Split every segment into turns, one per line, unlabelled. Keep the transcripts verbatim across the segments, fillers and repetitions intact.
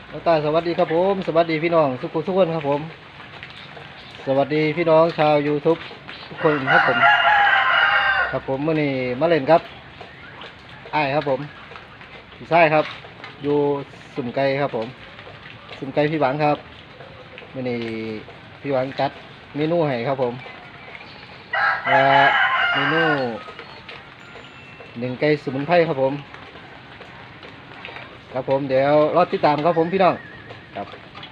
น้องตาสวัสดีครับผมสวัสดีพี่น้องทุกคนทุกคนครับผมสวัสดีพี่น้องชาว YouTube ทุกคนครับผมครับผมมื่อนี้มาเล่นครับไอ้ครับผมใช่ครับอยู่สุ่มไก่ครับผมสุ่มไก่พี่หวังครับมื่อนี้พี่หวังจัดเมนูให้ครับผมและเมนูหนึ่งไก่สมุนไพรครับผมครับผมเดี๋ยวรอติดตามครับผมพี่น้องครับ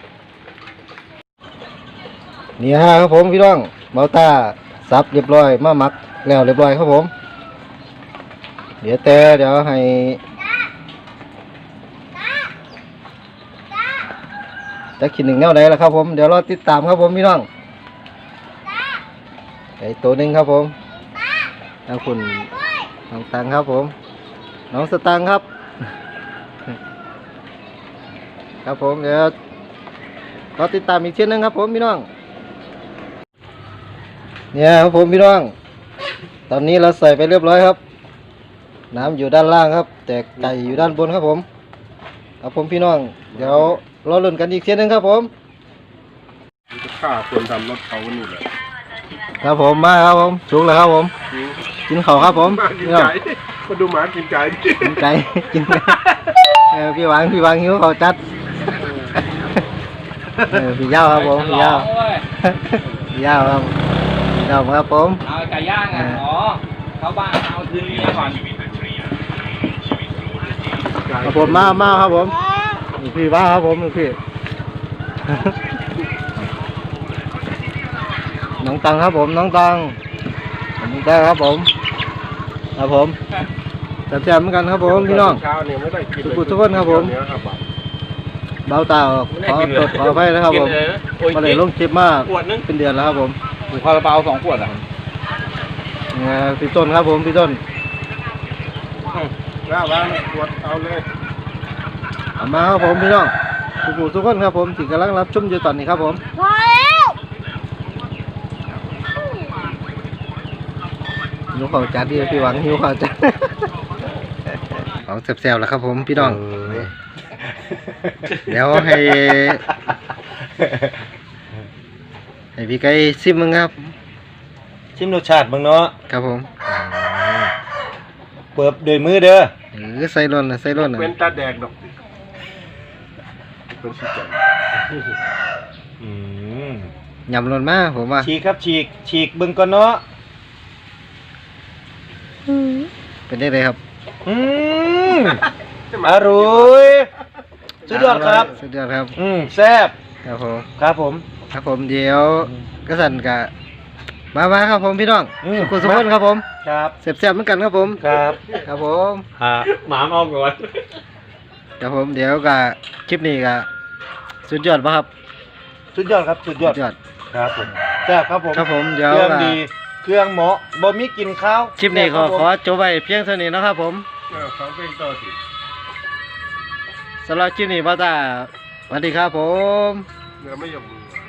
นี่ฮะครับผมพี่น้องเมาต้าซับเรียบร้อยมาหมักแล้วเรียบร้อยครับผมเดี๋ยวแต่เดี๋ยวให้จะกินหนึ่งแนวไหนล่ะครับผมเดี๋ยวรอติดตามครับผมพี่น้องไอ้ตัวหนึ่งครับผมทางคุณน้องตังครับผมน้องสตังครับครับผมเดี๋ยวรอติดตามอีกเช่นนึงครับผมพี่น้องเนี่ยครับผมพี่น้องตอนนี้เราใส่ไปเรียบร้อยครับน้ำอยู่ด้านล่างครับแต่ไก่อยู่ด้านบนครับผมครับผมพี่น้องเดี๋ยวรอลุ้นกันอีกเช่นนึงครับผม
จะฆ่าคนทำรถเขานี่แหละ
ครับผมมาครับผมสุกแล้วครับผมกินข้าวครับผม
กินไก่มาดูหมากินไก่
กินไก่กินไก่พี่หวังพี่หวังหิวข้าวจัดพี่ยาวครับผมพี่ยาวพี่ยาวครับพี่ยาวครับผม
เอาไก่ย่างอ่ะอ๋อเข้าบ้านเอาคืนนี้ก่อน
ครับผมมามาครับผมพี่ว่าครับผมพี่น้องตังครับผมน้องตังน้องตังครับผมครับผมแซ่บๆเหมือนกันครับผมพี่น้องทุกทุกคนครับผมเบาตาขอตดขอไปนะครับผมมาเลยลงคลิปมากเป็นเดือนแล้วครับผม
ถูกคาราบาวสองขวดอ่ะ
เนี่ยพี่ต้นครับผมพี่ต้น
ว้าวว้าวขวดเอาเลย
มาครับผมพี่น้องทุกทุกคนครับผมที่กำลังรับชมอยู่ตอนนี้ครับผม
พอแล้ว
หิวข้าวจัดดิพี่หวังหิวข้าวจัดของแซ่บๆแล้วครับผมพี่น้องเดี๋ยวให้ให้พี่ไก่ซิมมึงครับ
ชิมรสชาติมึงเนาะ
ครับผม
เปิบโดยมือเด้อ
เออใส่ร่นนะใส่ร่นนะ
เป็นตาแดงดอกเป็นสีแดง
ยำร่นมากผมว่า
ฉีกครับฉีกฉีกบึงก่อนเนาะ
เป็นได้เลยครับ
อืมอร่อยสุดยอดครับ
สุดยอดครับ
อืมแซ่บ
ครับผม
ครับผม
ครับผมเดี๋ยวกระสันกะมามาครับผมพี่น้องสุขุมสุขคนครับผม
ครับ
เสียบๆเหมือนกันครับผม
ครับ
ครับผม
ฮะหมาเอาก่อน
ครับผมเดี๋ยวกะคลิปนี้กะสุดยอดป่ะครับ
สุดยอดครับสุดยอดครับผมแซ่บครับผม
ครับผมเดี๋ยว
เครื่องดีเครื่องเหมาะบ่มีกินข้าว
คลิปนี้ขอขอจบไว้เพียงเท่านี้นะครับผม
เขาเป็นต่อสิ
สำหรับคลิปนี้ป้าตาสวัสดีครับผม
เนื้อไม่ยอมมือ